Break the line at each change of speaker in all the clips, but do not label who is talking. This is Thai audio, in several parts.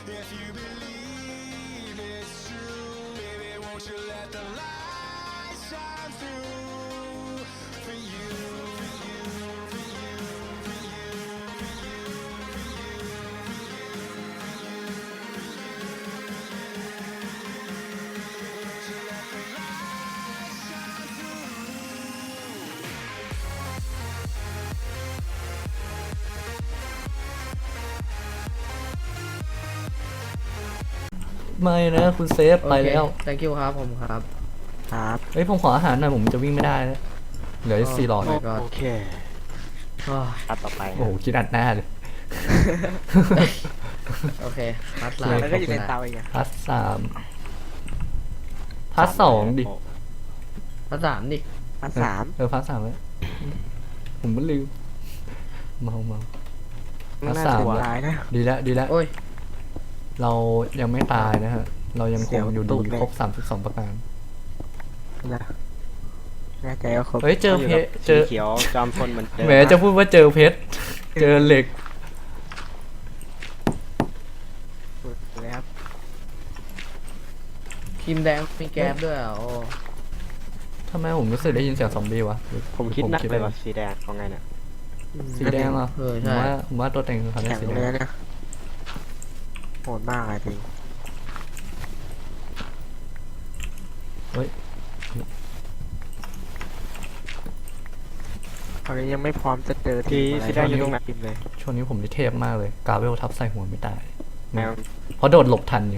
If you believe it's true, baby, won't you let the light shine through for you, for you, for you, for you, for you, for you, for you, won't you let the light shine through?
ไม่นะคุณเซฟไปแล้ว
โอเค thank you ครับผมครับ
ครับ
เฮ้ยผมขออาหารหน่อยผมจะวิ่งไม่ได้แล้วเหลือ4หลอด
โอ้ my god
โอเค
อ้าว
อันต่อไป
โอ้โหคิดอัดหน้าเลย
โอเคพัด
โอ
ลา
เค
แล้วก็อยู่ในเตาอีกอ่ะ
พาร์ท3พาร์ท2ดิ
พัดสามดิ
อันสาม
พาร์ท3แล้วผมก็ลืมเมา อัน
น่า
สาม
จะ
แล้ว
ตายนะ
ดีแล้ว
โอ้ย
เรายังไม่ตายนะฮะเรายังค
เสี
ง
ยว
อยู่
ตู
ดี
ดเลย
ครบ32ประการ
นะแน่ใจว่าครบ
เฮ้ยเจอเพชรเจ
สี
อ
เขียวจอมพลเหมือนเดิม
แหมจะพูดว่าเจอเพชรเจอเหล็ก
สุดเลยครับ
ทีมแดงมีแก๊บด้วยอ่ะโอ้
ทำไมผมรู้สึกได้ยินเสียงซอมบี้วะหรือ
ผมคิดหนัก
ไป
เลยว่าสีแดงของไงเนี่ย
สีแดงเหรอ
เออ
ผม
ใช่
ว่าตัวเต็งคือเขาได้
แข็ง
สี
เล
แด
ย
ง
เนี่ยโหดมากเลยจริง
เฮ้ย
ตอนนี้ยังไม่พร้อมจะเจอ
ที่
อะไร
สีแดงอยู่ตรงไหน
ทีมเลย
ช่วงนี้ผมนี่เทพมากเลยกาเวลทับใส่หัวไม่ตาย
แมว
เพราะโดดหลบทันอยู่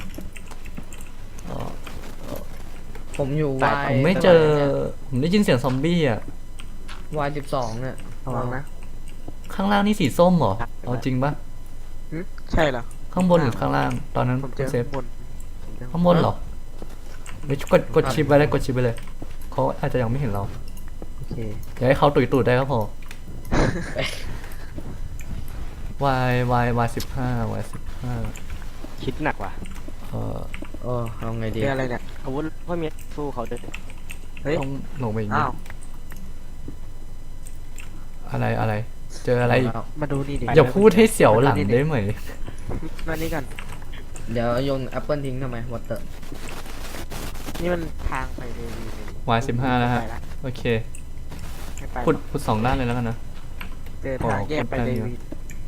ผมอยู่
ตาย
วาย
ผมไม่เจอ ผมได้ยินเสียงซอมบี้อ่ะ
วาย12เนี่ย
ระวังนะ
ข้างล่างนี่สีส้มเหรอเอาจริงปะ
หึใช่เหรอ
ข้างบนหรือข้างล่าง ตอนนั้น
ผมเจ
คุณ
อ
เซฟ
ข้างบนผมเจอ
ข้างบนเหรอไม่กดชิปไปเลยกดชิปไปเลยเขาอาจจะยังไม่เห็นเรา
โอเค
อย่าให้เขาตุยตูดได้ก็พอ y
คิดหนักว่ะ
15
โอ้เอาไงดี
เจออะไรเนี่ย
อาวุธพ่อเมียสู้เขาด้วย
เฮ้ย
ต้องลงไปอีกนิ
อ้า
ด
ว
อะไร เจออะไรอีก
เอา
มาดูนี่ดิ
อย่าพูดให้เสียวหลังได้ไหม
มานี่กัน
เดี๋ยวโยนแอปเปิลทิ้งทำไมวอเตอร์
นี่มันทางไปเดวีเลย
y 15แล้วฮะ
ไปละ
โอเค
ไม่ไป
ขุด2ด้านเลยแล้วกันนะ
เจอทางแยกไปเดวี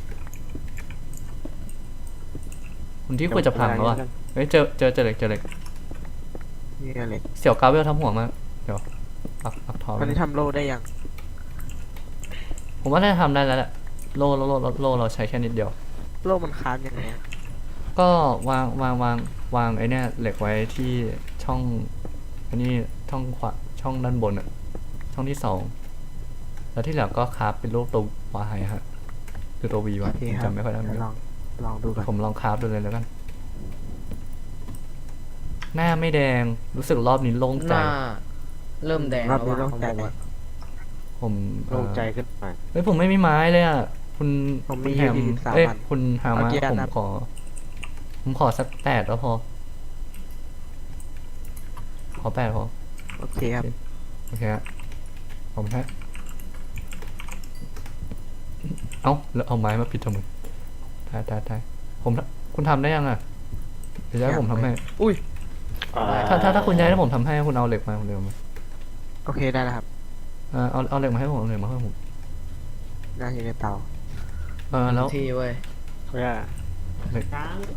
คุณที่ควรจะพังแล้วอ่ะเฮ้ยเจอเหล็ก
นี่อะไร
เสี่ยวกาเวลทำหัวมากเดี๋ยวปักทอง
ตอนนี้ทำโล่ได้ยัง
ผมว่าได้ทำได้แล้วแหละโล่เราใช้แค่นิดเดียว
โล่มันค้านยังไงอะ
ก็วางไอ้เนี่ยเหล็กไว้ที่ช่องอันนี้ช่องขวาช่องด้านบนอ่ะช่องที่2แล้วที่เหลือก็คราฟเป็นรูปตัววายฮะคือตัววีวะ
โอเค
ผม
ครับ
จำไม่ค่อยได้เหมือน
เดี๋ยว
กัน
ลองดูก่อน
ผมลองคราฟดูเลยแล้วกัน หน้าไม่แดงรู้สึกรอบนี้โล่ง
ห
ใจ
น้าเริ่มแดง
รอบ
แล้ว
นี้
ว่ะ
ต้อง
ของ
ใจ
ผมอะ
ผม
โล่งใจขึ้นมา
เฮ้ยผมไม่มีไม้เลยอ่ะคุณ
ผมมี
คุณแฮม
23
เอ้ย
อัน
คุณฮามา
เอากี่อัน
ผม
ครับ
ขอสัก8แล้วพอ ขอ8พอ
โอเคครับ
โอเคฮะผมฮะเอ้าแล้วเอาไม้มาปิดทำไมได้ผมคุณทำได้ยังอ่ะเดี๋ยวจะให้ผมทำให้
อุ้ย
ถ้าคุณย้ายให้ผมทำให้คุณเอาเหล็กมาคุณเร็วมา
โอเคได้แล้วครับ
เอาเหล็กมาให้ผมเอาเหล็กมาให้ผม
น่าอยู่ในเตา
แล้ว
ทีเว้ย
เพื่อ
เหล็ก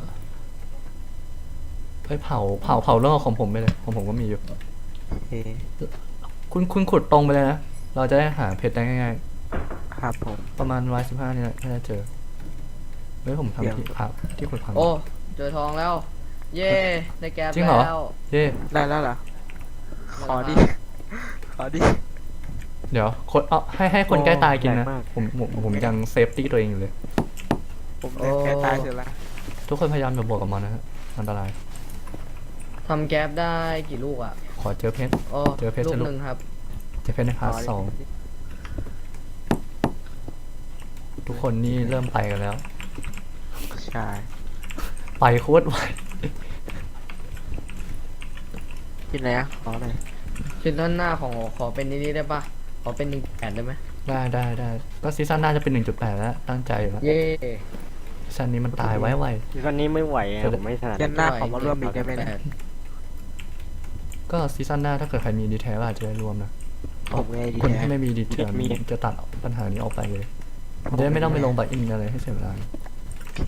เฮ้ยเผาเรื่องของผมไปเลยของผมก็มีอยู่
โอเค
คุณขุดตรงไปเลยนะเราจะได้หาเพชรได้ง่าย
ครับผม
ๆประมาณy 15นี่แหละน่าจะเจอเฮ้ยผมทำที่ที่ขุดพัง
โอ้เจอทองแล้ว เย่ได้แก๊บ
จริงเหรอ
แล้ว
เย่
ได้แล้วเหรอ ขอดิ ขอดิ
เดี๋ยวคนให้คนใกล้ตายกินนะ
แรงมาก
ผมยังเซฟตี้ตัวเองอยู่เลย
ผมเนี่ยแค่ตายเสร็จแล้ว
ทุกคนพยายามอย่าบวกกับมันนะฮะอันตราย
ทำแก๊บได้กี่ลูกอ่ะ
ขอเจอเพชร
โอ้
เจอเพชร
ลูก
จะลูก
หนึ่งครับ
เจอเพชรในพาร์ท
ขอดิ
2ทุกคนนี่เริ่มไปกันแล้ว
ใช่
ไปโคตรไว
กินอะไรอ่ะขอหน่อย
ชิ้นด้านหน้าของขอเป็นนี้ได้ปะขอเป็น1.8ได้ไหม
ได้ก็ซีซั่นหน้าจะเป็น 1.8 แล้วตั้งใจอยู่แล้ว
เย่
ชั้นนี้มันตายไว
ซีซั่นนี้ไม่ไหวอะ
จะได้
ผมไม่ถนัด
เดือนหน้าขอมาร่วมอีกได้ไหมเนี่ย
ๆก็ซีซั่นหน้าถ้าเกิดใครมีดีเทลอาจจะได้รวมนะ
ผมไงดี
คน
แท้
ที่ไม่มีดีเทลจะตัดปัญหานี้ออกไปเลยจะได้ไม่ต้องไปลงบัตรอินอะไรให้เสียเวลา
โอเค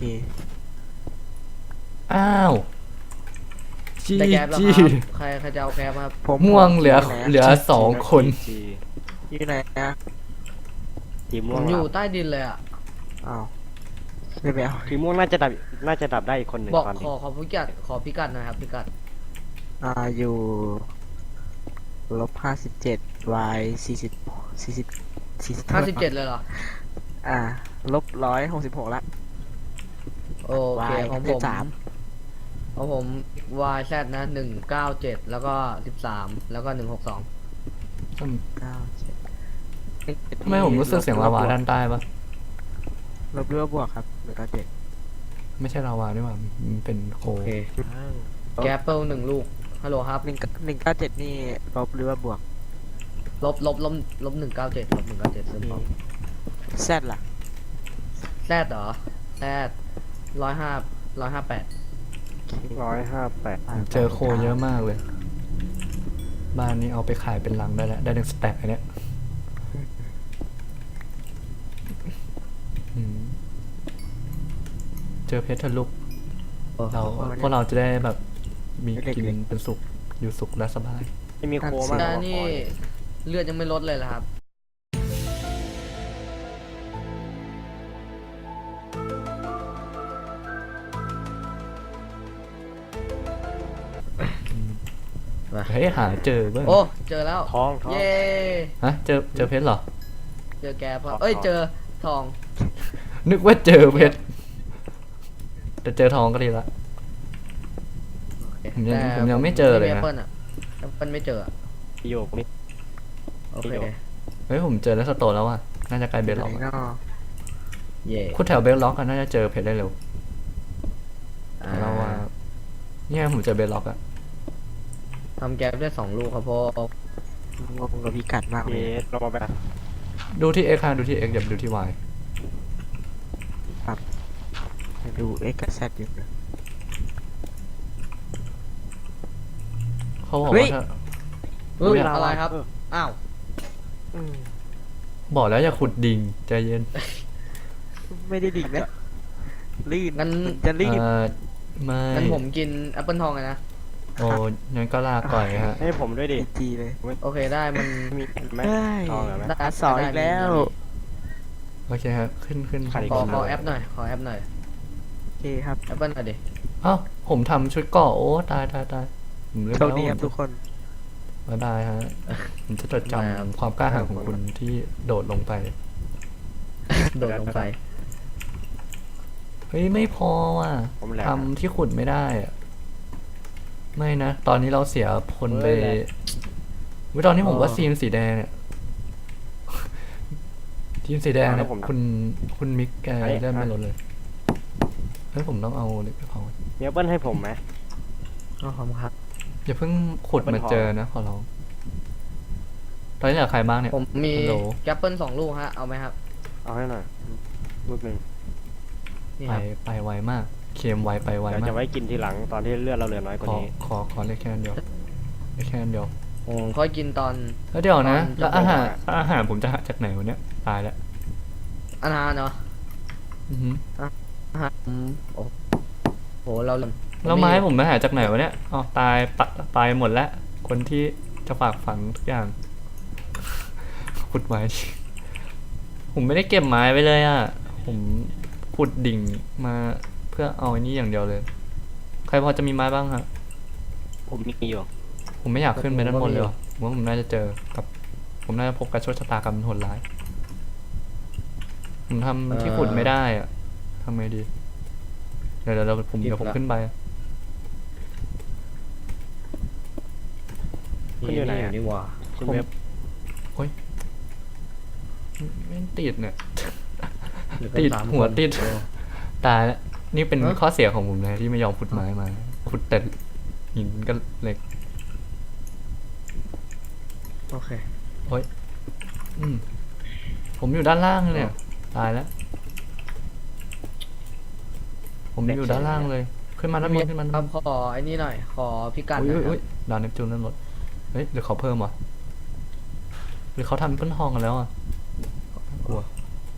อ้าวจี
ได้แก๊ปแล้ว
จี
ครับใครจะเอาแก๊ปครับ
ผม
ม่วงเหลือ
ผม
เหลือสองคน
จี
อยู่ไหนนะ
ทีม
ผ
ม่วง
มอยู่
หลับ
ใต้ดินเลยอ่ะ
อ้าวไม่ไปเอา
ทีมม่วงน่าจะดับได้อีกคนหนึ่ง
บอก
ตอน
ข
นี้
อพิกัดหน่อยครับพิกัด
อยู่-57 y 40
57เลยเหรอ
-166ละ
โอเค
y
ของ
เล
ผ
ข
ม
3
ของผม YZ นะ197แล้วก็13แล้วก็162
97
ทำไมผมรู้สึกเสียงลาวาด้านใต้ปะ
ลบหรือว่าบวกครับ197
ไม่ใช่ลาวาด้วยว่ามันเป็นโค
โอเคแก๊ปเปิล1ลูกฮัลโหลครับ
197นี่ลบหรือว่าบวก
ลบ197ลบ197เสริมพร้อม
แซดล่ะ
แซดเหรอแซด158
158
ผมเจอโคเยอะมากเลย บ้านนี้เอาไปขายเป็นลังได้แล้วได้1 สแต็กอันเนี้ยอืมเจอเพชรทะลุพวกเราจะได้แบบมีกินเป็นสุขอยู่สุขและสบาย
ไม่มีโคมาก
แต่
กว่า
นี่
คอย
เลือดยังไม่ลดเลยเหรอครับ
เฮ้ยหาเจอเบ้าง
โอ้เจอแล้ว
ท้อง
เย้
ฮะเจอเพชรเหรอ
เจอแก๊ปเอ้ยเจอทอง
นึกว่าเจอเพชรแต่เจอทองก็ดีละ ผมยังไม่เจอเลยนะ
แอปเปิลอะแอปเปิลไม่เจออะ
โยกนี่
โอเค
ไม่เจอ
เฮ้ยผมเจอแล้วสโตนแล้วว่ะน่าจะไกลเบสล็อก
ไหน
อะ
เนาะ
เย่
คุณแถวเบสล็อกกันน่าจะเจอเพชรได้เร็ว
อ่า
เราว่าเนี่ยผมเจอเบสล็อกอะ
ทำแก๊ปได้2 ลูกครับพ่อง
งกับพิกัดมาก
เอ
เลย
สเรามาแบบ
ดูที่ X ค่ะดูที่ X อย่าไปดูที่ Y
ดู X กับ Z อยู่นะ
เขาบอก
เฮ้
ว่าย ถ้า
เฮ้ย
อุ๊ย
อะไรครับ อ้าว
อืม
บอกแล้วอย่าขุดดิ่งใจเย็น
ไม่ได้ดิ่งนะลื่น
งั้น
มันจะลื่น
ไม่
งั้นผมกินแอปเปิลทองเลยนะ
โอ้งั้นก็ลาก่อยฮะ
ให้ผมด้วยดิ
จีเลย
โอเคได้มัน
มีไหม
เฮ้ย
ทองเหรอไหม
ได้
สองอีกแล้ว
โอเคครับขึ้น
ขาดอีก
ขอ
คน
แอปหน่อยขอแอปหน่อย
โอเคครับ
แอปเปิลหน่อยดิ
เอ้าผมทำชุดเกราะโอ้ตายผมลืม
โชคดีครับทุกคน
บ๊ายบายฮะผมจะจด
บ๊ายบายครับ
จำความกล้าหาญของคุณที่โดดลงไป
โดดลงไป
เฮ้ยไม่พอว่ะ
ผมแหลก
ทำที่ขุดไม่ได้อะไม่นะ ตอนนี้เราเสียพลไป
เฮ้ยแหลก
วิตอนนี้ผมว่าทีมสีแดงเนี่ย ทีมสีแดงเนี่ยคุณมิกแกได้ไม่ลดเลยเฮ้ยผมต้องเอาเหล็กไปเผา
มีแอปเปิ้ลให้ผมไหม
อ๋อขอบคุณครับ
อย่าเพิ่งขุด
เป็น
มา
ทอง
เจอนะขอร้องตอนนี้เหลือใครบ้างเนี่ย
ผมมี
ฮัลโหล
แอปเปิล2 ลูกฮะ เอาไหมครับ
เอาให้หน่อยลูกหนึ่ง
นี่
ไป
ครับ
ไปไวมาก เคมไวไปไว
เดี๋ยว
มา
จะ
ก
ไว้กินทีหลังตอนที่เลือดเราเหลือน้อยกว่านี้
ขอเลขแค่อันเดียวเลขแค่อันเดียว
โอ้ค่อยกินตอน
แล้วเดี๋ยวนะ
ตอน
แล้ว
จะบอก
อาหารผมจะหาจากไหนวะเนี่ยตายแล้ว
อาหารเนาะ
อือหือ
อาหารโอ้โหเรา
แล้วไม้ผมไปหาจากไหนวะเนี่ยอ๋อตายหมดแล้วคนที่จะฝากฝังทุกอย่าง ขุดไม้ ผมไม่ได้เก็บไม้ไว้เลยอ่ะ ผมขุดดิ่งมาเพื่อเอาอันนี้อย่างเดียวเลย ใครพอจะมีไม้บ้างฮะ
ผมมีอยู่
ผมไม่อยากขึ้นไปด้านบนเลยว่ะผมว่าผมน่าจะเจอกับ ผมน่าจะพบกับโชคชะตากรรมโหดร้าย ผมทำที่ขุดไม่ได้อ่ะทำไงดี เดี๋ยวผมขึ้นไป
คุณอยู่ไหนอะ
นี่หว่า
คุณเว็บ
ไม่ติดเนี่ย
เหลือกัน
ติด
3
หัว
คน
ติด
โอ้
ตายแล้วนี่เป็น
เอ้อ
ข้อเสียของผมนะที่ไม่ยอมขุดไม้มา ขุดแต่หินก็เหล็ก
โอเค
อืมผมอยู่ด้านล่างเนี่ย ตายแล้วผมอยู่ด้านล่างเลย ขึ้นมาด้านบนขึ้นมา
ค
ด้า
รั
น
บบ ขอไอ้นี่หน่อย ขอพิกัด
น
หน่อยครั
อุ้
บ
ยดาวเนปจูนด้านบนเฮ้ยหรือเขาเพิ่มวะหรือเขาทำเป็นทองกันแล้วอ่ะกลัว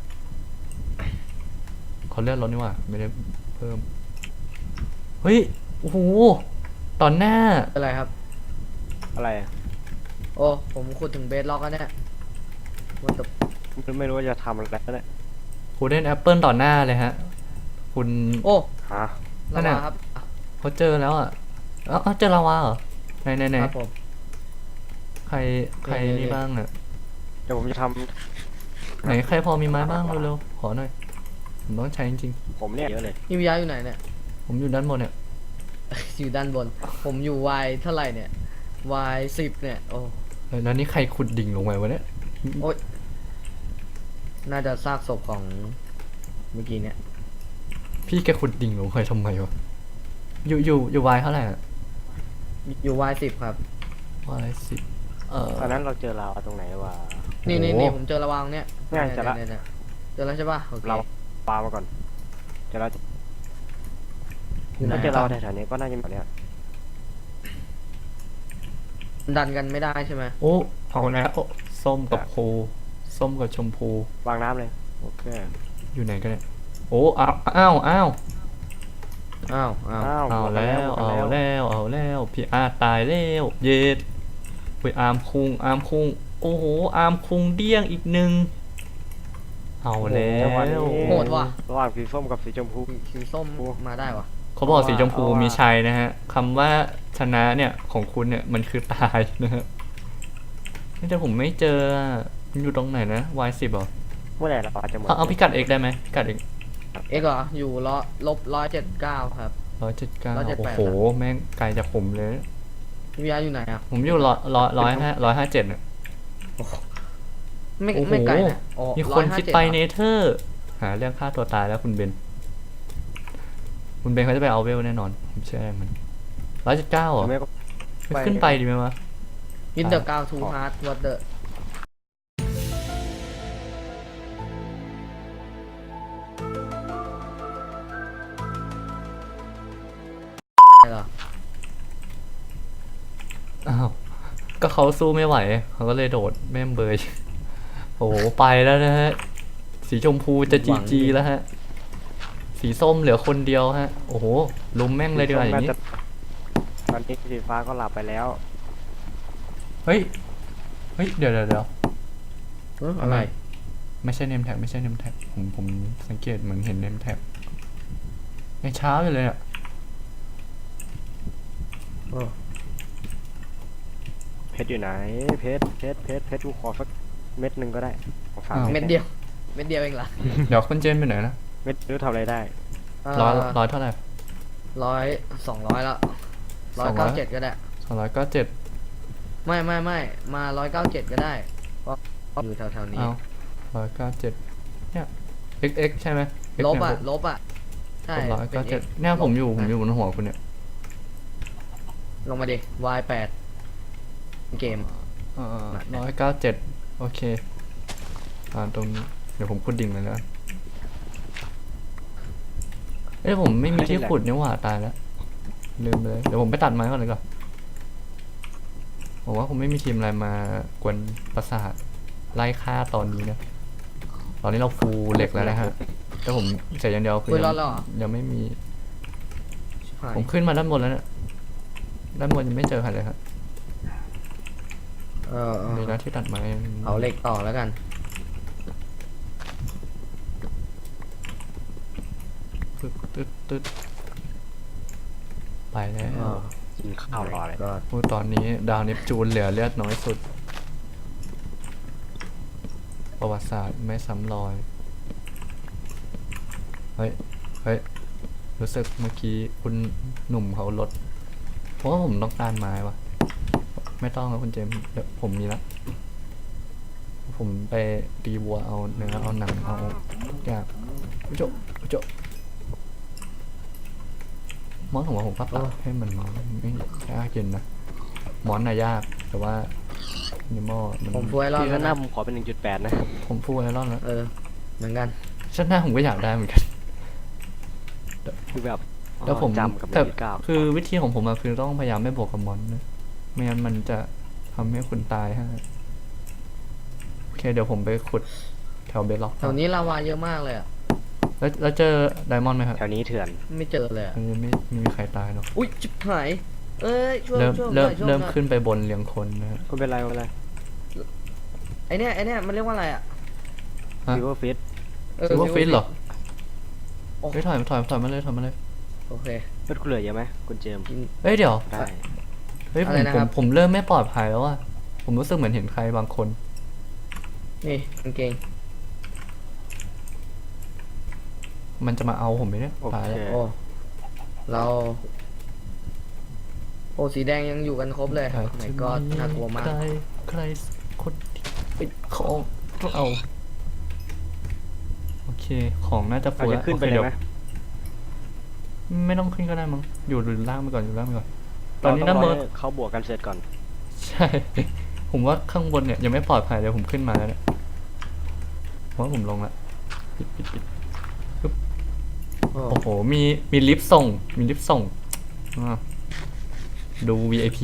เขาเลื่อนรถนี่หว่าไม่ได้เพิ่มเฮ้ยโอ้โหตอนหน้า
อะไรครับ
อะไรอะ
โอ้ผมขุดถึงเบสล็อกแล้วเนี่ยมันตบ
ไม่รู้ว่าจะทำอะไรแล้วเนี่ย
กูเล่นแอปเปิลต่อหน้าเลยฮะ คุณ
โอ้
ฮะ
นั่
ระ
นน่ะ
วังครับอ่ะ
เขาเจอแล้วอ่ะเอ้าเจอลาวาเหรอไหน
ครับผม
ใครนี่บ้างเนี่ย
เดี๋ยวผมจะท
ไหนใครพอมีไม้บ้างเร็วๆขอหน่อยผมต้องใช้จริง
ำผมเนี่ยเยอะเลย
นี่วิยาอยู่ไหนเนี่ย
ๆผมอยู่ด้านบนเนี่ย
อยู่ด้านบน ผมอยู่ Y เท่าไหร่เนี่ย Y 10เนี่ย โอ้
เฮ้ยแล้วนี่ใครขุดดิ่งลงไปวะเนี่ย
โอ้ยน่าจะซากศพของเมื่อกี้เนี่ย
พี่แกขุดดิ่งลงไปทำไมวะอยู่วายเท่าไหร่อะ
อยู่ Y 10ครับ
วายสิบ
ตอนนั้นเราเจอเราตรงไหนวะ
นี่
โอ้
นี่
โห
นี่ผมเจอระวังเนี่ย
ง่ายจังละ
เนี่ยเจอแล้วใช่ป่ะโอเค
เราปามาก่อนเจอเรา
อยู่ไหน
ถ้าเจอเราแถวๆนี้ก็น่าจะแบบเนี้ย
ดันกันไม่ได้ใช่ไหม
โอ้เอาแล้วส้มกับพูส้มกับชมพู
วางน้ำเลยโอเค
อยู่ไหนกันเนี่ยโอ้อ้าว
อ้าว
อ้าว
เอาแล้ว
หมด
เอาแล้วพี่อาร์ตตายแล้วเย็ดไปอาร์มคุงโอ้โหอาร์มคุงเดี้ยงอีกหนึ่งเอาแล้ว
โหดว่ะ
ระหว่างสีส้มกับสีชมพู
สีส้มมาได้ว่ะ
เขาบอกสีชมพู
เอาว่ะ
มีชัยนะฮะคำว่าชนะเนี่ยของคุณเนี่ยมันคือตายนะฮะแต่ผมไม่เจออะมันอยู่ตรงไหนนะ Y10 เหรอ
เมื่อไหร่เราจะหมด
เอาพิกัด X ได้ไหมพิกัด X
เอ็กเหรอ อยู่179ครับ
179
178
โอ้โหแม่งไกลจากผมเลย
พี่วิยาอยู่ไหนอ่ะ
ผมอยู่157เนี่ย
ไม่
โอ้โห
ไม่ไกลนะโอ้
มีคนคิดไป
157
เนเธอร์หาเรื่องฆ่าตัวตายแล้วคุณเบนเขาจะไปเอาเวลแน่นอนผมเชื่อมัน179เหรอ
ไม่ก็
ไม่ขึ้นไปดีไหมวะ
อินเดอร์กาวทูฮาร์ดวัตเตอร์เหรอ
อ้าวก็เขาสู้ไม่ไหวเขาก็เลยโดดแม่มเบย โอ้โหไปแล้วนะฮะสีชมพูจะจีแล้วฮะสีส้มเหลือคนเดียวฮะโอ้โหลุมแม่งเลยดีกว่าอย่างนี้
ตอนนี้สีฟ้าก็หลับไปแล้ว
เฮ้ยเดี๋ยว
อะไร
ไม่ใช่เนมแท็กผมสังเกตเหมือนเห็นเนมแท็กในเช้าอยู่เลยอ่ะ
โอ้
เพชรอยู่ไหนเพชรกูขอสักเม็ดหนึ่งก็ได้ของฝาก
เม็ดเดียว เม็ดเดียวเองเหรอ
เดี๋ยวคุณเจนไปไหนนะ
เม็ดรู้ทำอะไรได้
ร้อยเท่าไหร่
200แล้ว197ก็ได้
297
ไม่มา197ก็ได้เพราะอยู่แถวๆนี้
เอา197เนี่ย x ใช่ไหม X
ลบ
เนี่ย
อ่ะ ลบอ่ะ ใช่
ผม
เป็น X
197เนี่ยผมอยู่บนหัวคุณเนี่ย
ลงมาดิ Y8 เกม
197โอเคตรงนี้เดี๋ยวผมขุดดิ่งเลยแล้วกันผมไม่มีที่ขุดนี่หว่าตายแล้วลืมเลยเดี๋ยวผมไปตัดไม้ก่อนเลยก่อนผมว่าผมไม่มีทีมอะไรมากวนประสาทไล่ฆ่าตอนนี้นะตอนนี้เราฟูลเหล็กแล้วนะฮะแต่ผมเสียอย่างเดียวคือ
คุยรอดแล้วเหรอ
ยังไม่มี
ชิบหาย
ผมขึ้นมาด้านบนแล้วเนี่ยด้านบนยังไม่เจอใครเลยครับ มีหน้าที่ตัดไม้
เอาเหล็กต่อแล้วกัน
ตึ๊ดไปแล้ว
กินข้าวรอเลย
ก็
พูดตอนนี้ดาวเนปจูนเหลือเลือดน้อยสุด ประวัติศาสตร์ไม่ซ้ำรอย เฮ้ย รู้สึกเมื่อกี้คุณหนุ่มเขาลด เพราะว่าผมต้องการไม้วะไม่ต้องแล้วคุณเจมส์เดี๋ยวผมมีละผมไปตีวัวเอาเนื้อเอาหนังเอาทุกอย่างโจมอนของผมก็ตัดให้มันไม่ยากเย็นนะมอนน่ะยากแต่ว่านิมอมัน
ผมฟูไอรอน
พี่
แล้
ก็
ว
หน้า
นะ
ผมขอเป็น 1.8 นะ
ผมฟูไอรอนแล้ว
เหมือนกัน
ชั้นหน้าผมก็อยากได้เหมือนกัน
คือแบบ
แล้วผม
จำกับ
แต่
1.9
คือวิธีของผมอะคือต้องพยายามไม่บวกกับมอนนะไม่งั้นมันจะทำให้คุณตายฮะโอเคเดี๋ยวผมไปขุดแถวเบสล็อก
แถวนี้ลาวาเยอะมากเลยอ่ะ
แล้วเจอไดมอนด์ไหมครับ
แถวนี้เถื่อน
ไม่เจอเลยอ่ะ
ไม่มีใครตายหรอก
อุ้ยชิบหายเอ้ยช่วย
เริ่ม
ช่วย
เริ่ม
ช่วย
เริ่ม
หน่อย
ขึ้นไปบนเรียงคนนะฮะ
ไม่เป็นไรไม่เป็นไร
ไอเนี้ยมันเรียกว่าอะไรอ่ะ
ฮะ
ซิลเวอร์ฟิต
ซิลเวอร์ฟิตเหรอ
โอ้
เฮ้ยถอยมาเลยถอยมาเลย
โอเค
เลือดคุณเหลือเยอะไหมคุณเจมส์
เอ้ยเดี๋ยว
ได้
เฮ้ย
อะไรนะครับ
ผมเริ่มไม่ปลอดภัยแล้วอะผมรู้สึกเหมือนเห็นใครบางคน
นี่กางเกง
มันจะมาเอาผมไหมเนี่ย
โอ
ตาย
เค
แล้ว
โอ้เราโอ้สีแดงยังอยู่กันครบเลยไหนก็น่ากลัวมาก
ใครสักคนที่เป็นของเราโอเคของน่าจะ
เรา
ฟู
จะ
แล้ว
ขึ้นไป
โอค
เลย
ดี๋ว
ไหม
ไม่ต้องขึ้นก็ได้มั้งอยู่ล่างไปก่อนตอนนี้
เรา
น้ำ
ต้
เบิ
อง
ร์
รอให้เขาบวกกันเสร็จก่อน
ใช่ ผมว่าข้างบนเนี่ยยังไม่ปลอดภัยเลยผมขึ้นมาแล้วเนี่ยผมว่าผมลงละปิด
โอ้
โอ้โหมีลิฟต์ส่งอ่าดู VIP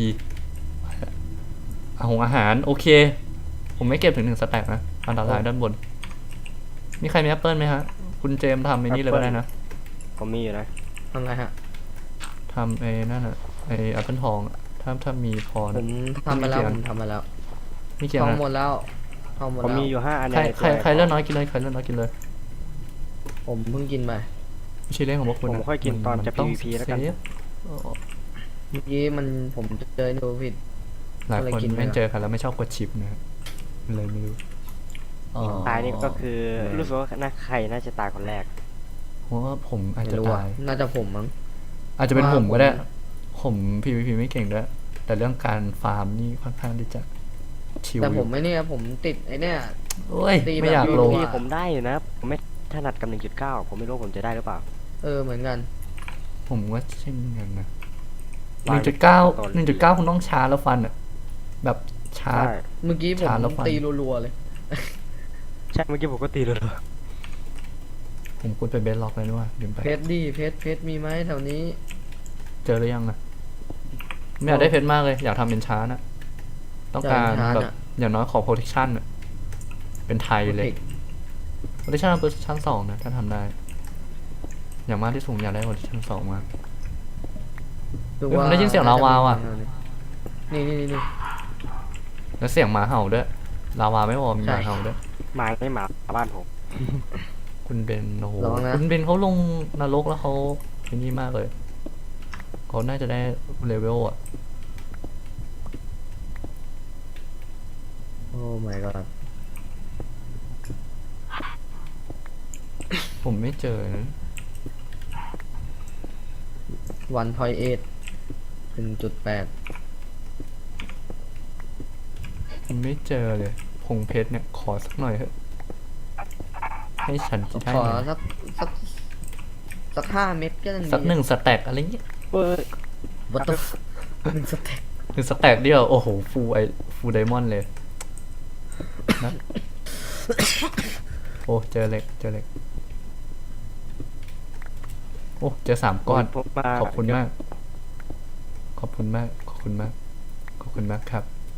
อาหารโอเค ผมไม่เก็บถึง1 สแต็กนะอันตรายด้านบนมีใครมีแอปเปิลไหมฮะคุณเจมส์ทำไอ้นี่เลยก็ได้นะ
ผมมีอยู่นะ
ทำไรฮะ
ทำไอ้นั่นอะไอ้แอปเปิลทองอะถ้ามีพอ
ผ
นะ
มทำไปแล้ว
ไม่
ผ
เกี่ยว
มทำไปแล้ว
มีเกี่ยว
ทอง
นะ
หมดแล้วทองหมด
ผม
แล้ว
มีอยู่5 อัน
ใคร
ใน
ใครเลือกน้อยกินเลยใครเลือกน้อยกินเลย
ผมเพิ่งกินไป
ไม่ใช่เรื่องของพวกคุณ
ผมค่อยกินตอนจะ
ต้ง
PVP แล้วกัน
เซฟ
เมื่อกี้ผมเจอดูผิด
หลายคน
ก็เลยกินไป
ไม่
ก่อน
เจอกันแล้วไม่ชอบกดชิปนะครับเลยไม่รู้
ตายนี่ก็คือรู้สึกว่าใครน่าจะตายคนแรก
เพราะว่าผมอาจ
ไม่
จะ
รู้อ่ะ
ตาย
น่าจะผมมั้ง
อาจจะเป็น
ว่า
ผมก็ได้
ผม
ผม PVP ไม่เก่งด้วย แต่เรื่องการฟาร์มนี่ค่อนข้างที่จะชิว
แต่
อ
ผ
ยู่
มไม่เนี่ยผมติดไอเนี่ย
โอ้ย
ตีแบบ
ไม่อยากลง
รัว
พี่ผมได้อยู่นะ ผมไม่ถนัดกับ 1.9 ผมไม่รู้ผมจะได้หรือเปล่า
เหมือนกัน
ผมว่าเช่นกันนะ
วาง
1.9คุณต้องชาร์จแล้วฟันอ่ะ แบบชาร์จ
ใช่
เมื่อกี้ผม
ชาร์จแล้วฟัน
ตีรัวๆเลย
ใช่เมื่อกี้ผมก็ตีเลย
ผมกดไปเบสล็อกเลยนี่ว่าลืมไป
เพชรดิเพชรมีไหมแถวนี้
เจอหรือยังอะไม่อยากได้เพชรมากเลย อยากทำเป็นชาร์จอะต้องการ
อยากเป็นชาร์จ
แบบ
อะ
อย่างน้อยขอ protection อะเป็นไทยเลย protection เป็น protection 2 นะ ถ้าทำได้ อย่างมากที่สูงอยากได้ protection 2 มาก
ดู
เฮ้ยผมได้ยินเสียงลาวาว่ะ
นี่
แล้วเสียงหมาเห่าด้วย ลาวาไม่พอมีหมาเห่าด้วย
หมาไม่หมาบ้านผม
คุณเบนโอ้โห
ลองนะ
คุณเบนเขาลงนรกแล้วเขาไอ้นี่มากเลย เขาน่าจะได้เลเวลอะ
โอ้ my god
ผมไม่เจอนะ
1.8
ผมไม่เจอเลยพงเพชรเนี่ยขอสักหน่อยเถอะให้ฉันจะได้
ขอ
ไหม
สัก5 เม็ดก็ยังดี
สัก1 สแต็กอะไรเงี้ย
เอ้ย
วัตถุ1 สเต็ก
1 สแต็กเดียวโอ้โหฟูไดมอนด์เลยนะ โอ้เจอเหล็กโอ้เจอ3 ก้อน
ผมมา
ขอบคุณมาก ขอบคุณมากครับ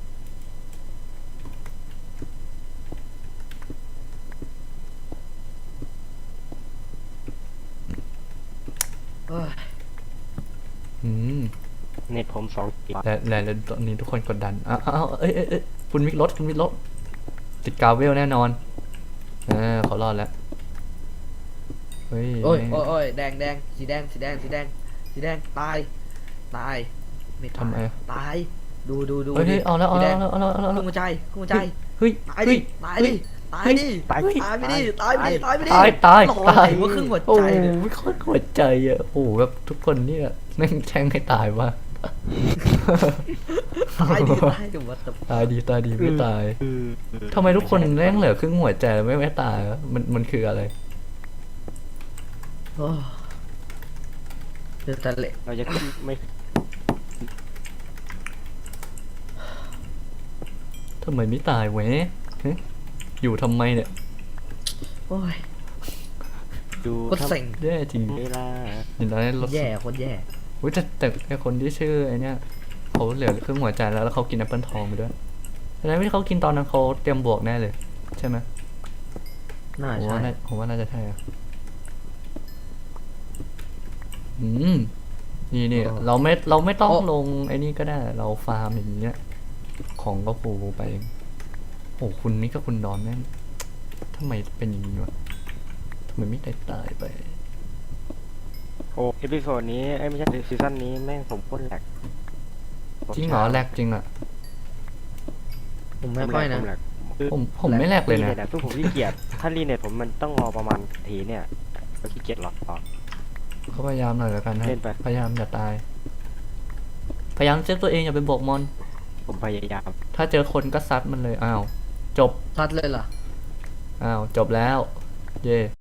เอ้ย
อืม
เน็ตผม2 กิก
และตอนนี้ทุกคนกดดันอ้าวเอ้ยคุณวิกรถติดกาวเวลแน่นอนเขารอดแล้วเฮ้ย
โอ้ยแดงสีแดงตายไม่
ทำไม
ตายดู
เฮ้ยเอาแล้ว
สีแดง
เอาแล้ว
ขึ้นหัวใจ
เฮ้ย
ตายดิตายไปดิตายไปดิตายไปดิ
ตาย
หล่อ
ตาย
ไหนว่าครึ่งหัว
โอ้
ใจ
โห
เลย
ไม่ค่อยหัวใจอ่ะโอ้โหแบบทุกคนเนี่ยแม่งแช่งให้ตายว่ะ
ตายดิวัตถุ
ตายดีไม่ตายทำไมทุกคนแม่งเหลือครึ่งหัวใจไม่ตายวะมันคืออะไร
โอ้เดือดตะเละ
เราจะขึ้นไม่
ทำไมไม่ตายเว้ยฮะอยู่ทำไมเนี่ย
โอ้ย
ดู
โคตรเซ็ง
แย่จริง
เวลา
เดี๋ยวตอนนี้รถ
แย่โคตรแย่
อุ้ยแต่ไอคนที่ชื่อไอเนี้ยเขาเหลือครึ่งหัวใจแล้วเขากินแอปเปิลทองไปด้วยแสดงว่าที่เขากินตอนนั้นเขาเตรียมบวกแน่เลย ใช่ไหม
น่า
ผม
ใช่
ว่าผมว่าน่าจะใช่อะอืมนี่เราไม่ต้องลงไอ้นี่ก็ได้ เราฟาร์มอย่างเงี้ย ของก็ฟูไปเองโอ้คุณนี่ก็คุณดอนแม่งทำไมเป็นอย่างนี้วะทำไมไม่ตายไป
โอ้เอพิโซดนี้ไอ้ยไม่ใช่ซีซั่นนี้แม่งผมโคตรแหลก
จริงเหรอแลกจริงอ่ะ
ผมไม่ค่อยนะ
ผมแหลกคือ
ผมไม่แลกเลยนะ
รีตทุกผมขี้เกียจถ้ารีเน็ตผมมันต้องรอประมาณทีเนี่ยก็ขี้เกียจหรอกต่อ
ก็พยายามหน่อยแล้วกันนะ
เล่นไป
พยายามอย่าตาย พยายามเซฟตัวเองอย่าไปบวกมอน
ผมพยายาม
ถ้าเจอคนก็ซัดมันเลย อ้าว จบ
ทัดเลยเหรอ
อ้าว จบแล้ว เย่